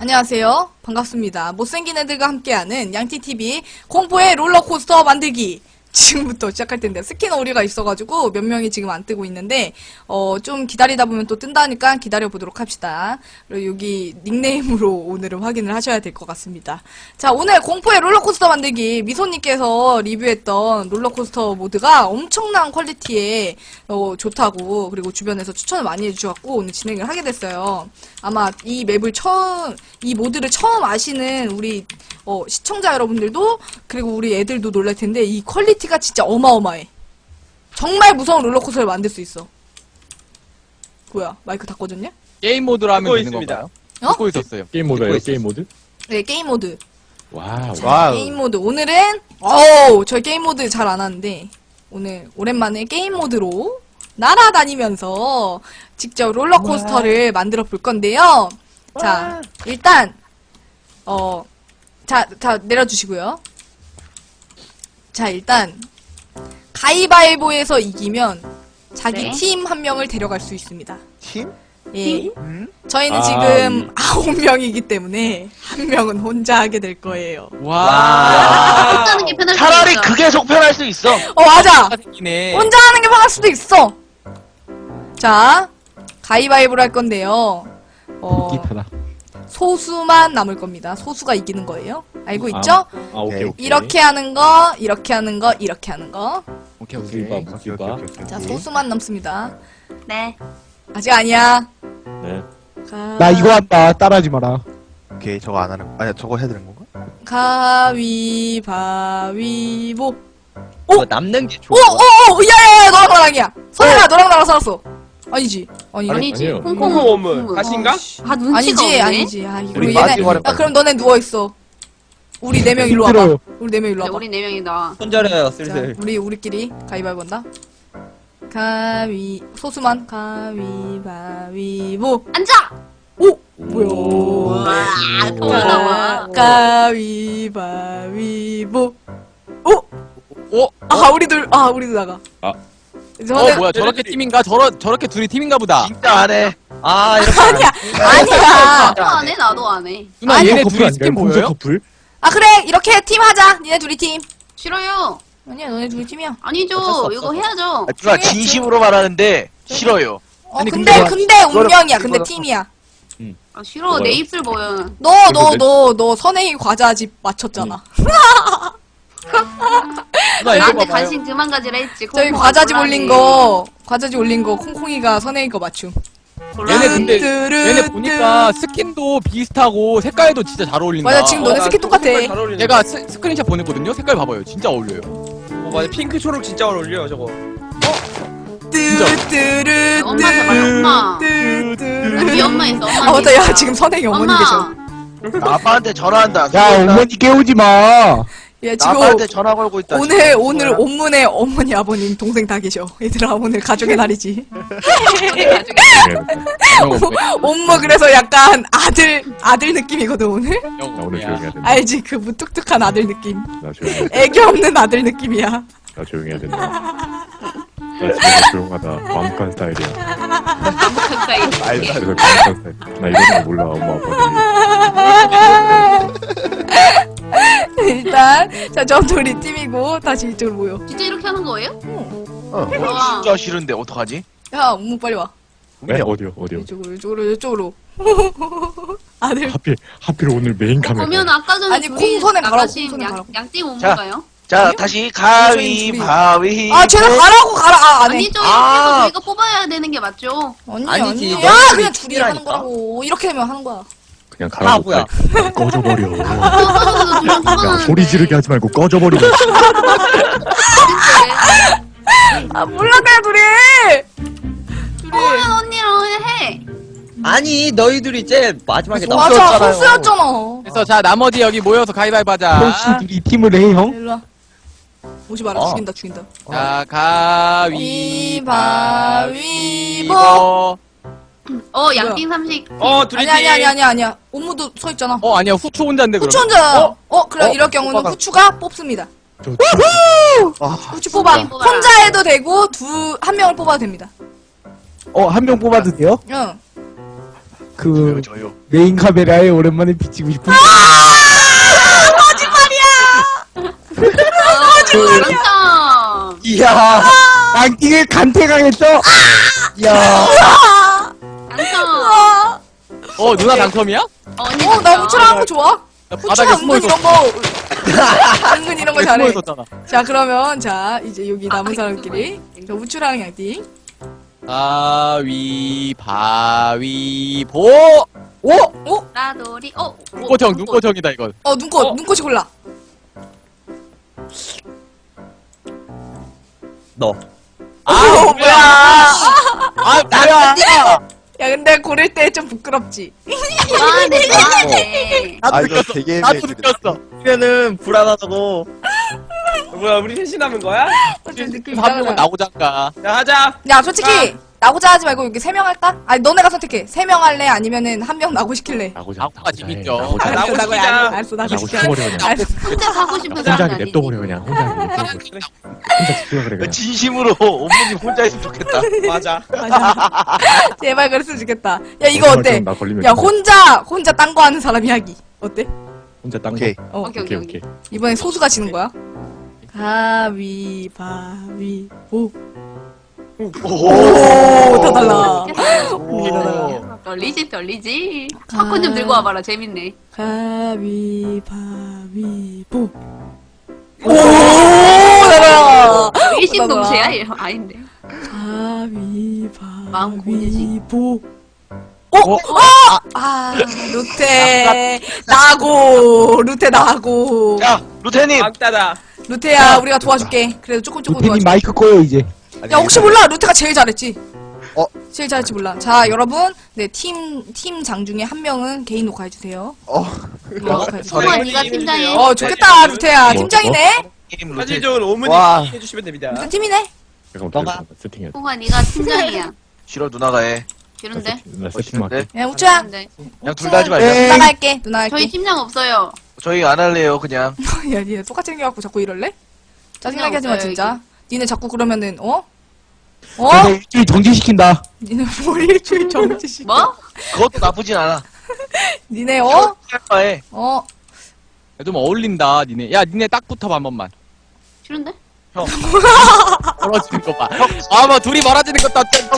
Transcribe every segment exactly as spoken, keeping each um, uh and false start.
안녕하세요. 반갑습니다. 못생긴 애들과 함께하는 양티티비 공포의 롤러코스터 만들기. 지금부터 시작할 텐데 스킨 오류가 있어가지고 몇 명이 지금 안 뜨고 있는데 어 좀 기다리다 보면 또 뜬다니까 기다려보도록 합시다. 그리고 여기 닉네임으로 오늘은 확인을 하셔야 될 것 같습니다. 자, 오늘 공포의 롤러코스터 만들기 미소님께서 리뷰했던 롤러코스터 모드가 엄청난 퀄리티에 어 좋다고, 그리고 주변에서 추천을 많이 해주셔갖고 오늘 진행을 하게 됐어요. 아마 이 맵을 처음, 이 모드를 처음 아시는 우리 어, 시청자 여러분들도, 그리고 우리 애들도 놀랄 텐데 이 퀄리티가 진짜 어마어마해. 정말 무서운 롤러코스터를 만들 수 있어. 뭐야, 마이크 다 꺼졌냐? 게임 모드로 하면 되는 있습니다. 건가요? 어? 듣고 있었어요. 게임 모드예요, 게임 모드? 네, 게임 모드. 와우. 자, 와우. 게임 모드. 오늘은 어우, 저희 게임 모드 잘 안 하는데 오늘 오랜만에 게임 모드로 날아다니면서 직접 롤러코스터를 만들어 볼 건데요. 자, 일단 어 자, 자, 내려주시고요. 자, 일단 가위바위보에서 이기면 자기 네. 팀 한 명을 데려갈 수 있습니다. 팀? 예. 음? 저희는 아, 지금 아홉 명이기 때문에 한 명은 혼자 하게 될 거예요. 와. 혼자 하는 게 편할 수도 차라리 있어. 그게 속 편할 수 있어. 어, 맞아! 생기네. 혼자 하는 게 편할 수도 있어! 자, 가위바위보를 할 건데요. 어, 기타다. 소수만 남을 겁니다. 소수가 이기는 거예요. 알고 있죠? 아, 아, 오케이, 오케이. 이렇게 하는 거, 이렇게 하는 거, 이렇게 하는 거. 오케이 무기바, 오케이. 무기바. 자, 소수만 남습니다. 네. 아직 아니야. 네. 가... 나 이거 한다. 따라하지 마라. 오케이, 저거 안 하는 거. 아니, 저거 해야 되는 건가? 가위바위보. 뭐 남는 게 오, 좋아. 오, 오, 야야야, 너랑 나랑이야. 선생아, 너랑 나랑 살았어. 아니지, 아니, 아니지. 아니에요. 홍콩 어머, 가신가? 아 눈치가 아니지, 없네. 아니지. 아, 이거 우리 얘네. 마지막에 야, 그럼 너네 누워 있어. 우리 네 명 일로 와봐. 힘들어요. 우리 네 명 일로 이제 와봐. 우리 네 명이다. 손절해요 자, 슬슬. 우리 우리끼리 가위바위보 한다. 가위 소수만 가위바위보. 앉아. 오, 뭐야? 와, 더 가, 나와. 가위바위보. 오, 어? 아 우리들, 아 우리도 나가. 아. 저는 어 뭐야 저렇게 팀인가? 저러 저렇게 둘이 팀인가 보다. 진짜 안 해. 아 이렇게. 아니야, 아니야. 나도 안 해. 나도 안 해. 누나 아니, 얘네 커플 둘이 아닌가요? 팀 공주 보여요? 커플? 아 그래, 이렇게 팀 하자. 니네 둘이 팀. 싫어요. 아니야, 너네 둘이 팀이야. 아니죠. 어쩔 수 없어. 이거 해야죠. 아, 누나 진심으로 말하는데 싫어요. 어, 아니, 근데 근데 근데 운명이야. 근데 이거는- 팀이야. 아, 싫어. 내 입술 보여. 너 너 너 너 선행이 과자집 맞췄잖아. 누나 이거 나한테 봐봐요. 관심 그만 가지라 했지. 저희 콩콩아 과자집 곤란해. 올린 거, 과자집 올린 거 콩콩이가 선행이 거 맞춤. 얘네 근데 뚜루뚜루. 얘네 보니까 스킨도 비슷하고 색깔도 진짜 잘 어울린다. 맞아, 지금 너네 어, 스킨 똑같아. 얘가 스, 스크린샷 보냈거든요. 색깔 봐봐요. 진짜 어울려요. 어, 맞아. 핑크 초록 진짜 어울려 저거. 뚜루뚜루. 엄마 잡아요, 엄마. 뚜루뚜루. 네 엄마 있어. 엄마 아 맞다, 야 있어. 지금 선행이 어머니 엄마. 계셔. 나 아빠한테 전화한다. 야, 어머니 깨우지 마. 야 나 지금 아빠한테 전화 걸고 있다. 오늘 지금. 오늘 뭐야? 온문에 어머니 아버님 동생 다 계셔. 얘들아 오늘 가족의 날이지. 우리 가족이. 온무 그래서 약간 아들 아들 느낌이거든 오늘. 나 오늘 조용히 해야 된다. 알지, 그 무뚝뚝한 아들 느낌. 나 조용히 해야 된다. 애교 없는 아들 느낌이야. 나 조용히 해야 된다. 나 진짜 조용하다. 마음간 스타일이야. 가까이. 말도 안 그래서 마음간 스타일. 나 이런 거 몰라, 엄마 아빠들이. 일단 자, 저 둘이 팀이고 다시 이쪽으로 모여. 진짜 이렇게 하는 거예요? 어, 와. 진짜 싫은데 어떡하지? 야, 온무 빨리 와. 네? 어디요, 어디요? 이쪽으로 이쪽으로 이쪽으로. 아들. 하필, 하필 오늘 메인 카메라. 보면 아까 전에 아니, 둘이 콩손에 가라고, 나가신 콩손에 양- 가라고. 양띵 온 자. 건가요? 자, 아니요? 다시 가위바위. 아, 쟤는 가라고 가라. 아, 안 해. 아니죠. 이렇게 아. 해서 저희가 뽑아야 되는 게 맞죠? 아니, 아니지, 아니. 너희들이 야, 그냥 둘이 팀이라니까. 하는 거라고. 이렇게 되면 하는 거야. 그냥 가라고. 바보야. 빨리. 꺼져버려. 뽑아서 둘이 야, 뽑아놨는데. 소리 지르게 하지 말고 꺼져버리고. 아, 몰라 그냥 둘이. 둘이. 뽑으면 언니랑 해. 아니 너희들이 제일 마지막에 맞아, 소수였잖아요. 소수였잖아. 그래서 자 나머지 여기 모여서 가위바위보 하자. 훨씬 둘이 팀을 해, 형. 일로 와. 오지 마라. 어. 죽인다, 죽인다. 자 가위바위보. 어, 양띵 삼식. 어 둘이 아니, 아니, 아니, 아니, 아니야. 온무도 서 있잖아. 어 아니야 후추 혼자인데 그럼. 후추 혼자. 어? 어, 그래. 어? 이럴 경우는 뽑아가- 후추가 뽑습니다. 저 아, 후추 뽑아. 후추 뽑아라. 혼자 해도 되고, 두, 한 명을 뽑아도 됩니다. 어, 한 명 뽑아도 돼요? 응. 그 저요 저요. 메인 카메라에 오랜만에 비치고 싶은 그렇죠. 이야. 양띵을 간택하겠어. 야. 당첨. 어 누나 당첨이야? 언니 어, 나 후추랑 거 좋아. 나 후추가 바닥에 숨어 은근 이런 있었어. 거, 은근 이런 거 숨어 잘해. 있었잖아. 자, 그러면, 자, 이제 여기 남은 사람끼리. 자, 후추랑 양띵. 가위바위보. 오! 어? 라돌이. 어. 눈꽃형 눈꽃형이다 이건. 어, 눈꽃, 어? 눈꽃이 골라. 너. 아 어, 뭐야. 아 뭐야? 야, 근데 고를 때 좀 부끄럽지. 좋아하네 좋아하네. 나도 아 이거 느꼈어. 되게 나도 애매해지겠다. 느꼈어. 그러면은 불안하다고. 뭐야 우리 셋이 남은 거야? 좀 느낌 한 명은 이상하잖아. 나오장가. 자 하자. 야, 솔직히, 나고자 하지 말고 여기 세 명 할까? 아니, 너네가 선택해. 세 명 할래? 아니면은 한 명 나고 시킬래? 나고자. 나고가 재밌죠. 나고자. 아, 나고 알았어, 시키자. 알았어, 알았어, 나고 나고 시켜. 죽어버려 그냥. 알았어. 혼자 가고 싶은 혼자 사람이 하게 아니지. 냅둬버려 그냥. 혼자 하게 냅둬버려. 혼자 죽어라 그래 그냥. 진심으로 온몸이 혼자 있으면 좋겠다. 맞아. 맞아. 제발 그랬으면 좋겠다. 야, 이거 어때? 나 걸리면 야, 진짜 혼자, 혼자 딴 거 하는 사람 이야기. 어때? 혼자 딴 거. 오케이. 어. 오케이 오케이 오케이. 오케이. 이번에 소수가 지는 거야? 가위바위보. 오, 다 달라. 오. 떨리지 떨리지. 팝콘 좀 들고 와봐라 재밌네. 가위바위보. 오, 달라. 일심동체야? 얘 아닌데. 마음 고르지. 가위바위보. 어? 어? 아, 루테. 나고. 루테 나고. 자 루테님 왕따다. 루테야, 우리가 도와줄게. 그래도 조금 조금 루테님 도와줄게. 마이크 꺼요 이제. 야, 혹시 몰라. 루테가 제일 잘했지? 어? 제일 잘했지 몰라. 자, 여러분. 네, 팀, 팀장 중에 한 명은 개인 녹화해주세요. 어. 녹화해주세요. 홍아 저희- 네가 팀장해. 어, 좋겠다, 루테야. 뭐, 팀장이네? 게임 사진 루테 좋은 오문이 와. 해주시면 됩니다. 무슨 팀이네? 잠깐만 잠깐만, 세팅해. 홍아 네가 팀장이야. 싫어 누나가 해. 싫은데? 나 세팅 할게. 멋있는데? 야, 우추야. 싫은데? 그냥 둘 다 하지 말자. 에이. 누나가 할게. 누나 할게. 저희 팀장 없어요. 저희 안 할래요 그냥. 야, 니네 똑같이 생겨갖고 자꾸 이럴래? 짜증나게 하지 마, 없어요, 진짜. 니네 자꾸 그러면은, 어? 어? 내가 일주일 정지시킨다. 니네 뭘 일주일 정지시. 뭐? 그것도 나쁘진 않아. 니네, 어? 할 바에 어? 야, 좀 어울린다 니네. 야 니네 딱 붙어봐 한 번만. 싫은데? 멀어지는 거 봐. 아뭐 둘이 멀어지는 것도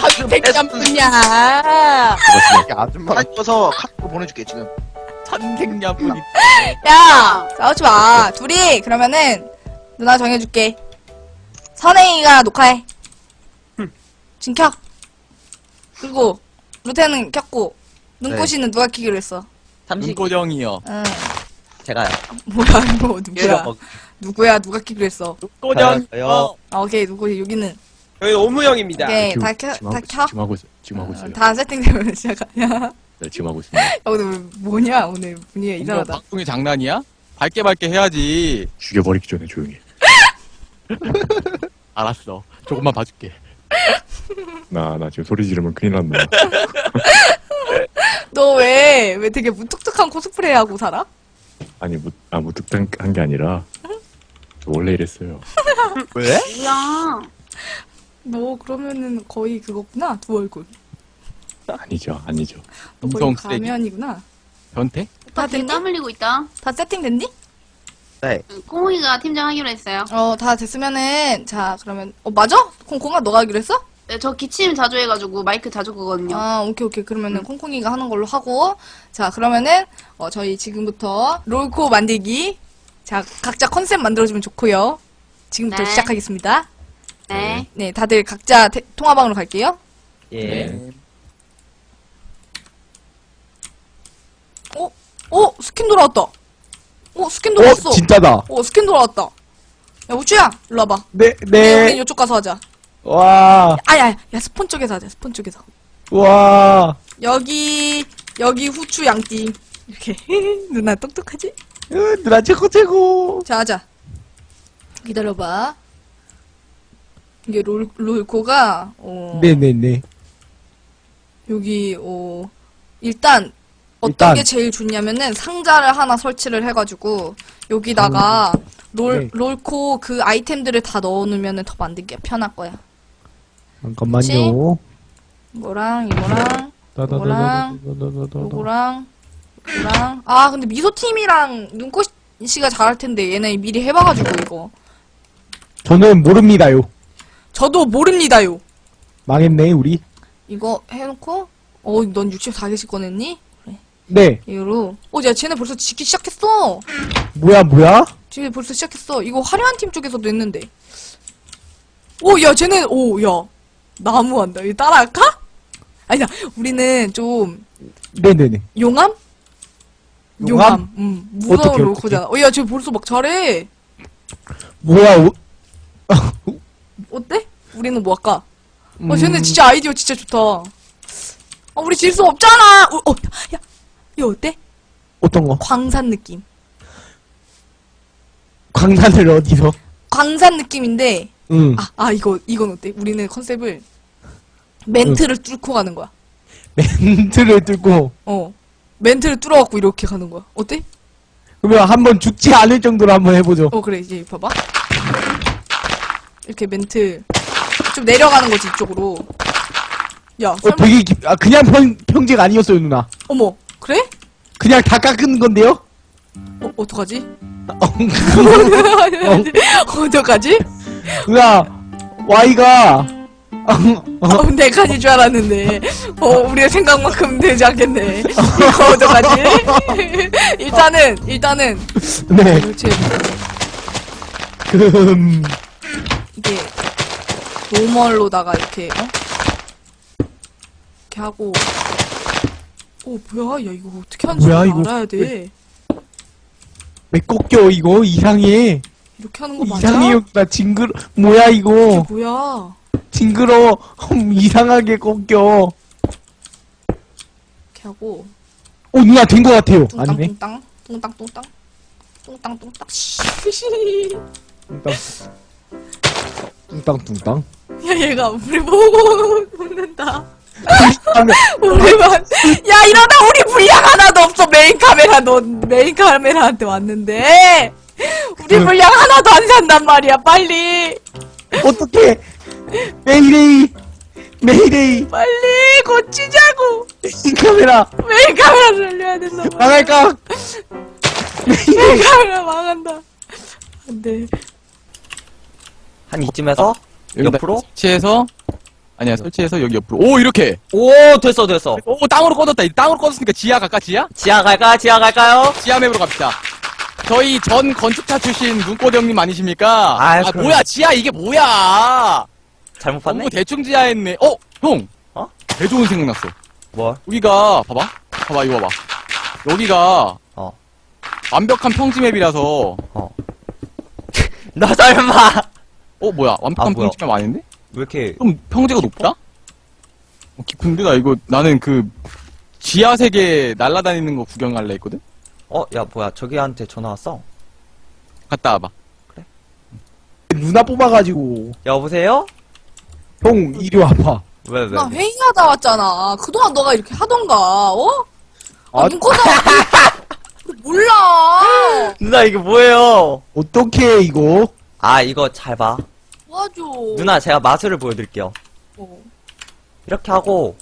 천생연분이야. 이게 아줌마가 사줘서 카톡 보내줄게 지금. 천생연분이. 야! 싸우지 마. 둘이, 그러면은, 누나 정해줄게. 선행이가 녹화해. 지금 켜. 그리고, 루테는 켰고, 눈꽃이는 누가 키기로 했어? 눈꽃형이요. 응. 제가요. 뭐야, 이거, 누구야? 누구야, 누가 키기로 했어? 눈꽃형. 저요. 어. 아, 오케이, 누구지? 여기는. 여기 오무형입니다. 오케이, 지금- 다 켜, 지금 다 하고 있- 켜. 지금 하고 있어. 지금 하고 있어요. 다 세팅되면 시작하냐? 네, 지금 하고 있습니다. 야, 오늘 뭐냐? 오늘 분위기가 이거 이상하다. 방송이 장난이야? 밝게 밝게 해야지. 죽여버리기 전에 조용히 해. 알았어. 조금만 봐줄게. 나, 나 지금 소리 지르면 큰일 난다. 너 왜, 왜 되게 무뚝뚝한 코스프레 하고 살아? 아니, 무, 아, 무뚝뚝한 게 아니라, 저 원래 이랬어요. 왜? 뭐야? 너 그러면은 거의 그거구나? 두 얼굴. 아니죠, 아니죠. 너 거의 음성 쓰레기. 가면이구나. 변태? 오빠 다 되게 됐니? 땀 흘리고 있다. 다 세팅됐니? 네. 꽁이가 팀장 하기로 했어요. 어, 다 됐으면은, 자, 그러면, 어, 맞아? 콩콩아, 너가 하기로 했어? 네, 저 기침 자주 해가지고 마이크 자주 끄거든요. 아, 오케이, 오케이. 그러면은 콩콩이가 하는 걸로 하고, 자, 그러면은, 어, 저희 지금부터 롤코 만들기. 자, 각자 컨셉 만들어주면 좋고요. 지금부터 네. 시작하겠습니다. 네. 네, 다들 각자 테- 통화방으로 갈게요. 예. 네. 어? 어? 스킨 돌아왔다. 어, 스킨 어, 돌아왔어. 진짜다. 어, 스킨 돌아왔다. 야, 우주야, 일로 와봐. 네, 네. 우린 네. 이쪽 가서 하자. 와, 아, 야, 야, 스폰 쪽에서 하자, 스폰 쪽에서. 와. 여기, 여기 후추 양띵. 이렇게. 누나 똑똑하지? 으, 누나 최고 최고. 자, 하자. 기다려봐. 이게 롤, 롤코가, 어, 네네네. 여기, 어, 일단, 어떤 일단. 게 제일 좋냐면은 상자를 하나 설치를 해가지고, 여기다가 롤, 네. 롤코 그 아이템들을 다 넣어놓으면 더 만들기 편할 거야. 잠깐만요. 이거랑, 이거랑, 요거랑 요거랑 요거랑 아 근데 미소팀이랑 눈꽃씨가 잘할 텐데 얘네 미리 해봐가지고 이거 저는 모릅니다요. 저도 모릅니다요. 망했네 우리. 이거 해놓고 어 넌 육십사 개씩 꺼냈니? 네. 이거로 어야 쟤네 벌써 짓기 시작했어. 뭐야 뭐야? 쟤네 벌써 시작했어. 이거 화려한 팀 쪽에서도 했는데 오야 쟤네 오야 나무한다. 이거 따라할까? 아니다 우리는 좀 네네네. 용암? 용암? 응 무서운 어떡해, 로코잖아. 어야 쟤 벌써 막 잘해. 뭐야? 오, 어때? 우리는 뭐 할까? 음, 어, 쟤네 진짜 아이디어 진짜 좋다. 어, 우리 질 수 없잖아! 어, 어, 야, 이거 어때? 어떤 거? 광산 느낌. 광산을 어디서? 광산 느낌인데, 응. 아, 아, 이거, 이건 어때? 우리는 컨셉을 멘트를 뚫고 가는 거야. 멘트를 뚫고 어. 멘트를 뚫어갖고 이렇게 가는 거야. 어때? 그러면 한번 죽지 않을 정도로 한번 해보죠. 어, 그래, 이제 봐봐. 이렇게 멘트 좀 내려가는 거지, 이쪽으로. 야, 어, 설마, 되게 깊- 아, 그냥 평, 평지가 아니었어요 누나. 어머, 그래? 그냥 다 깎은 건데요? 어, 어떡하지? 어, 어떡하지? 누나 Y가 어, 네 칸인 줄 알았는데, 어, 우리의 생각만큼 되지 않겠네. 이거 어떡하지? 일단은, 일단은, 네. 제, 금 이게, 노멀로다가 이렇게, 어? 이렇게 하고, 어, 뭐야? 야, 이거 어떻게 하는지 뭐야, 이거? 알아야 돼. 왜 꺾여 이거 이상해. 이렇게 하는 거 맞아? 이상해요. 나 징그러. 뭐야 이게 이거? 뭐야? 징그러. 음, 이상하게 꺾여. 이렇게 하고, 어 누나 된 거 같아요. 뚱땅, 아니네. 뚱땅, 뚱땅, 뚱땅, 뚱땅, 뚱땅, 씨. 뚱땅 뚱땅. 야, 얘가 우리 보고 웃는다. 우리만 야 이러다 우리 분량 하나도 없어. 메인 카메라 너 메인 카메라한테 왔는데 우리 분량 하나도 안 산단 말이야. 빨리 어떻게? 메이데이 메이데이 빨리 고치자고. 이 카메라 메인 카메라 살려야 된다. 망할까? 메인 카메라 망한다. 안돼. 한 이쯤에서 여기다 옆으로? 설치해서 아니야 설치해서 여기 옆으로 오 이렇게 오 됐어 됐어. 오 땅으로 꺼졌다. 이 땅으로 꺼졌으니까 지하 갈까 지하? 지하 갈까? 지하 갈까요? 지하 맵으로 갑시다. 저희 전 건축차 출신 눈꽃 형님 아니십니까? 아유, 아 그럼. 뭐야 지하 이게 뭐야? 잘못 봤네. 너무 대충 지하했네. 어 형. 어? 개 좋은 생각 났어. 뭐? 우리가 봐봐 봐봐 이거 봐봐. 여기가 어. 완벽한 평지 맵이라서 나 설마 어 뭐야 완벽한 아, 뭐야. 평지 맵 아닌데? 왜 이렇게 좀 평지가 높다? 어, 깊은데 나 이거 나는 그 지하 세계 날아다니는 거 구경할래 했거든? 어 야 뭐야 저기한테 전화 왔어. 갔다 와봐. 누나 뽑아가지고 여보세요? 형 이리 와봐. 왜 왜? 나 회의하다 왔잖아. 그동안 너가 이렇게 하던가. 어? 아, 아, 눈코다. 몰라. 누나 이게 뭐예요? 어떻게 이거? 아 이거 잘 봐. 도와줘. 누나 제가 마술을 보여드릴게요. 어. 이렇게 하고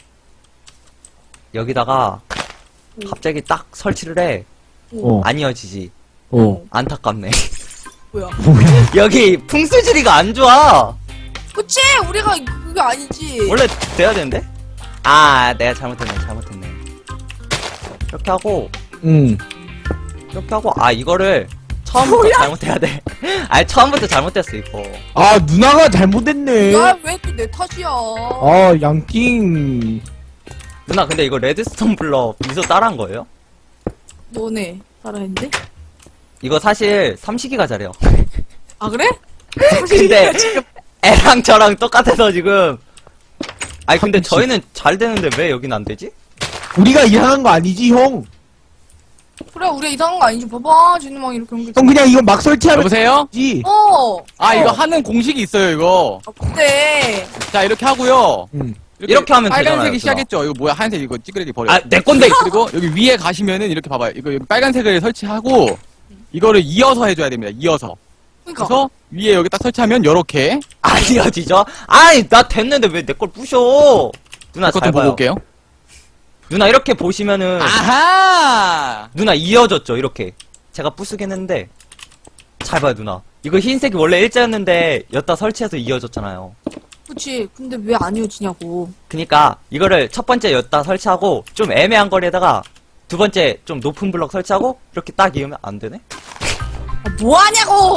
여기다가 오. 갑자기 딱 설치를 해. 어. 안 이어지지. 어. 안타깝네. 뭐야? 뭐야? 여기 풍수지리가 안 좋아. 그치? 우리가 그게 아니지. 원래 돼야 되는데? 아 내가 잘못했네 잘못했네. 이렇게 하고 응. 이렇게 하고 아 이거를 처음부터 뭐야? 잘못해야 돼. 아니 처음부터 잘못했어 이거. 아 누나가 잘못했네. 야, 왜 또 내 탓이야? 아 양띵. 누나 근데 이거 레드스톤 블럭 미소 따라한 거예요? 너네 따라했는데? 이거 사실 삼식이가 잘해요. 아 그래? 근데 애랑 저랑 똑같아서 지금. 아니 근데 저희는 잘 되는데 왜 여긴 안 되지? 우리가 이상한 거 아니지 형? 그래 우리 이상한 거 아니지? 봐봐 진우망 이렇게 연결. 형 그냥 이거 막 설치하면 여보세요? 되지. 어. 아 어. 이거 하는 공식이 있어요 이거. 아, 근데 자 이렇게 하고요. 응. 이렇게 하면 되잖아요, 빨간색이 누나. 시작했죠. 이거 뭐야 하얀색 이거 찌그레기 버려. 아 내 건데. 그리고 여기 위에 가시면은 이렇게 봐봐요. 이거 여기 빨간색을 설치하고 이거를 이어서 해줘야 됩니다. 이어서. 그러니까 그래서 위에 여기 딱 설치하면 요렇게 안 이어지죠? 아니 나 됐는데 왜 내 걸 부셔? 누나 그것도 잘 보고 봐요. 올게요. 누나 이렇게 보시면은 아하! 누나 이어졌죠 이렇게. 제가 부수긴 했는데 잘 봐요 누나. 이거 흰색이 원래 일자였는데 여기다 설치해서 이어졌잖아요. 그치. 근데 왜 안 이어지냐고. 그니까 이거를 첫 번째 여기다 설치하고 좀 애매한 거리에다가 두 번째 좀 높은 블럭 설치하고 이렇게 딱 이으면 안 되네? 아, 뭐 하냐고!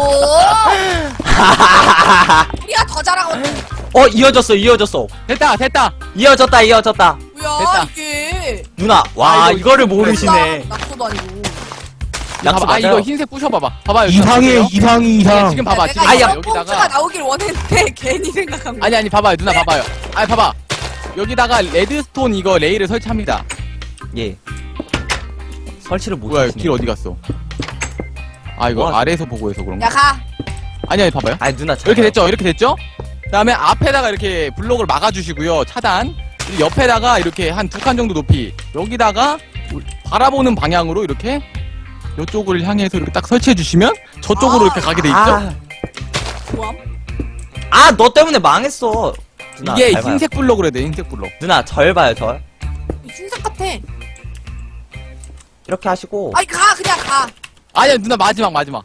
우리가 더 잘하고. 어 이어졌어 이어졌어. 됐다, 됐다! 이어졌다 이어졌다. 뭐야, 됐다. 이게. 누나 와 아, 이거 이거를 모르시네. 낙서도 아니고. 약속 봐봐, 아, 맞아요. 이거 흰색 부셔봐봐. 봐봐요. 이상해, 보세요. 이상이 네, 이상. 지금 봐봐, 내가 지금 아야, 이런 폰트가 여기다가. 나오길 원했는데 괜히 생각한 거야. 아니, 아니, 봐봐요. 누나 봐봐요. 아니, 봐봐. 여기다가 레드스톤 이거 레일을 설치합니다. 예. 설치를 못 뭐야, 하시네. 길 어디 갔어? 아, 이거 뭐 아래에서 보고 해서 그런가? 야, 가. 아니, 아니, 봐봐요. 아니 누나 잘 이렇게 봐요. 됐죠? 이렇게 됐죠? 그 다음에 앞에다가 이렇게 블록을 막아주시고요. 차단. 그리고 옆에다가 이렇게 한 두 칸 정도 높이. 여기다가 바라보는 방향으로 이렇게 이쪽을 향해서 이렇게 딱 설치해주시면 저쪽으로 아. 이렇게 가게 돼 있죠? 아, 뭐함? 아, 너 때문에 망했어. 누나, 이게 잘 봐요. 흰색 블록을 해야 돼, 흰색 블록. 누나 절 봐요 절. 흰색 같아. 이렇게 하시고. 아니, 가, 그냥 가. 아니야, 누나 마지막, 마지막.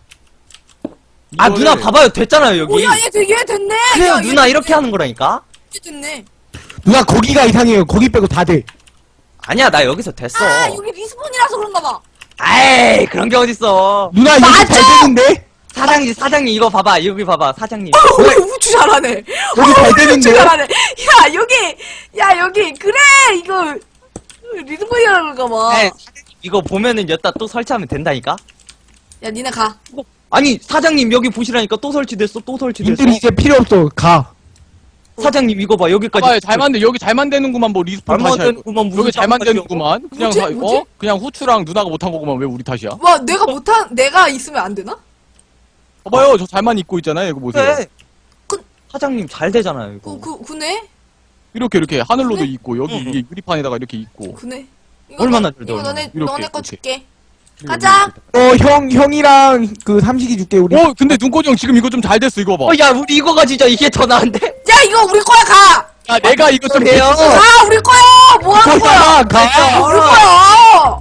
아 이거를- 누나 봐봐요 됐잖아요 여기. 오, 야, 얘 되게 됐네. 그래요 야, 누나 얘 이렇게 하는 거라니까. 되게 됐네. 누나 거기가 이상해요. 거기 빼고 다 돼. 아니야 나 여기서 됐어. 아, 여기 리스폰이라서 그런가 봐. 에이 그런 게 어딨어. 누나 여기 잘 되는데? 사장님 사장님 이거 봐봐 여기 봐봐 사장님. 어, 우리 우주 잘하네. 여기 잘 우주 되는데요? 잘하네. 야, 여기, 야, 여기, 그래, 이거, 리스폰이라서 그런가 봐. 네, 사장님 이거 보면은 여기다 또 설치하면 된다니까. 야, 니네 가. 아니 사장님 여기 보시라니까 또 설치됐어 또 설치됐어. 님들 이제 필요 없어. 가. 사장님 이거 봐 여기까지. 봐봐요, 잘 만든, 여기 잘 만드는구만, 뭐, 리스폰 잘 다시 할 거. 만드는구만, 무슨 여기 잘 만드는구만. 그냥, 뭐지? 사- 뭐지? 어? 그냥 후추랑 누나가 못한 거구만. 왜 우리 탓이야? 와, 내가 못한, 내가 있으면 안 되나? 봐봐요, 저 잘만 입고 있잖아요. 이거 보세요. 그래. 그- 사장님 잘 되잖아요 이거. 그, 그, 그네? 이렇게, 이렇게, 하늘로도 그래? 있고, 여기 응, 응. 위에 유리판에다가 이렇게 있고. 그네. 이거 얼마나 너, 잘 이거 돼, 너네, 이렇게, 너네 거 이렇게. 줄게. 가자. 어, 형, 형이랑 그 삼식이 줄게, 우리. 어, 근데 눈꽃이 형 지금 이거 좀 잘 됐어, 이거 봐. 어, 야, 우리 이거가 진짜 이게 더 나은데? 야, 이거 우리 거야, 가! 야, 내가 이거 좀. 그래요? 가, 우리 거야! 뭐 하는 거야? 가, 가. 우리 거야!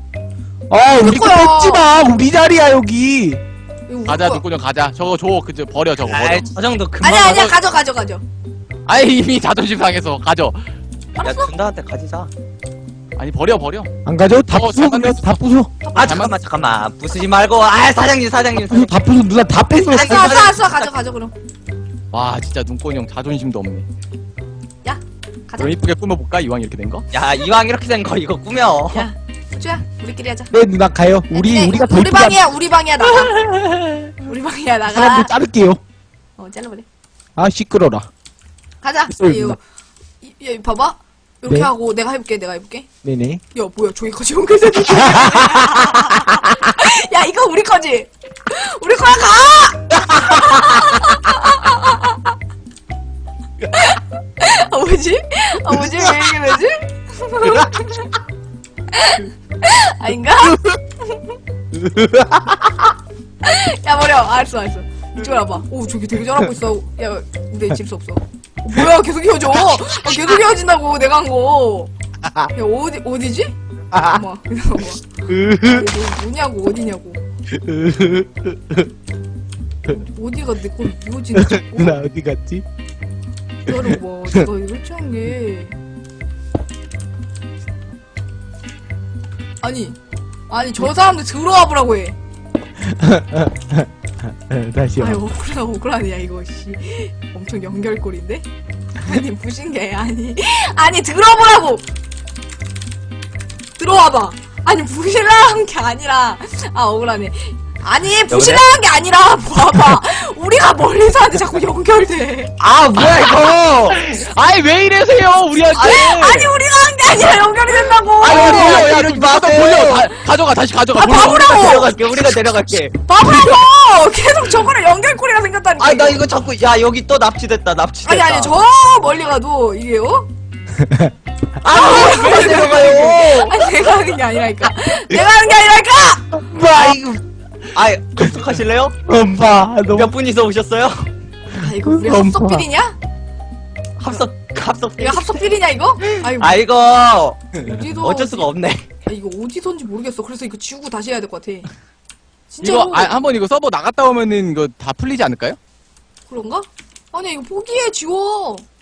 아, 우리 거 거야. 뺏지 마. 우리 자리야, 여기. 이거 우리 가자, 거야. 눈꽃이 형 가자. 저거 줘, 그저 버려, 저거 버려. 아이, 저 정도 금방. 아니야, 아니야, 하고- 가져, 가져, 가져. 아이, 이미 자존심 상해서 가져. 야, 준다한테 가지자. 아니, 버려, 버려. 안 가져? 다 어, 부숴, 잘 그냥 만들었어. 다 부숴. 아, 잠깐만, 잠깐만. 부수지 말고. 아, 사장님, 사장님. 부숴, 다 부숴. 누나 다 뺐어. 아니, 쏴, 쏴, 쏴, 가져, 가져, 그럼. 와, 진짜 눈꽃이 형 자존심도 없네. 야, 가자. 그럼 이쁘게 꾸며볼까? 이왕 이렇게 된 거? 야, 이왕 이렇게 된 거 이거 꾸며. 야, 수주야, 우리끼리 하자. 네, 누나 가요. 우리, 네, 우리가 더 우리 이쁘게 한 방이야, 우리 방이야, 나가. 우리 방이야, 나가. 사람들 자를게요. 어, 잘라버려. 아, 시끄러라. 가자. 있어요, 이거, 누나. 이, 야, 봐봐. 이렇게 네. 하고, 내가 해볼게, 내가 해볼게. 네네. 야, 뭐야, 저기까지 연결돼. 야, 이거 우리 거지? 우리 거야, 가! 아, 뭐지? 아, 뭐지? 왜 이렇게 되지? 아닌가? 야, 버려. 알았어, 알았어. 이쪽으로 와봐. 오, 저기 되게 잘하고 있어. 야, 근데 질수 없어. 어, 뭐야, 계속 이어져. 아, 계속 이어진다고, 내가 한 거. 야, 어디, 어디지? 어머, 어머. 너 뭐냐고, 어디냐고. 어디가 내 걸 이어지는 자꾸. 누나 어디 갔지? 기다려봐. 내가 설치한 게. 아니, 아니, 저 사람들 들어와 보라고 해. 네, 다시요. 아유, 억울하, 억울하네, 야, 이거, 씨. 엄청 연결골인데? 아니, 부신 게, 아니. 아니, 들어보라고! 들어와봐. 아니, 부실라는 게 아니라. 아, 억울하네. 아니, 부실라는 게 아니라, 봐봐. 우리가 멀리서 하는데 자꾸 연결돼. 아, 뭐야, 이거! 아이, 왜 이래세요, 우리한테! 아니, 우리가 한 게 아니라 연결이 된다고! 아니, 아니, 야, 야, 이러지 좀 마세요. 돌려. 다, 가져가, 다시 가져가. 아, 돌려. 바보라고! 우리가 내려갈게, 우리가 내려갈게. 바보라고! 계속 저거랑 연결고리가 생겼다니까. 아, 나 이거 자꾸, 야, 여기 또 납치됐다, 납치됐다. 아니, 아니, 저 멀리 가도, 이게, 어? 아, 왜 내려가요? 아니, 내가 하는 게 아니라니까. 내가 하는 게 아니라니까! 아, 이거. 아, 접속하실래요? 엄마, 너무. 몇 분이서 오셨어요? 아, 이거 우리 엄마. 합석필이냐? 합석, 합석. 이거 합석필이냐 이거? 아이고 아 이거 어디서 어쩔 수가 없네. 아, 이거 어디선지 모르겠어. 그래서 이거 지우고 다시 해야 될 것 같아. 이거 진짜로 아, 한번 이거 서버 나갔다 오면은 이거 다 풀리지 않을까요? 그런가? 아니 이거 포기해 지워.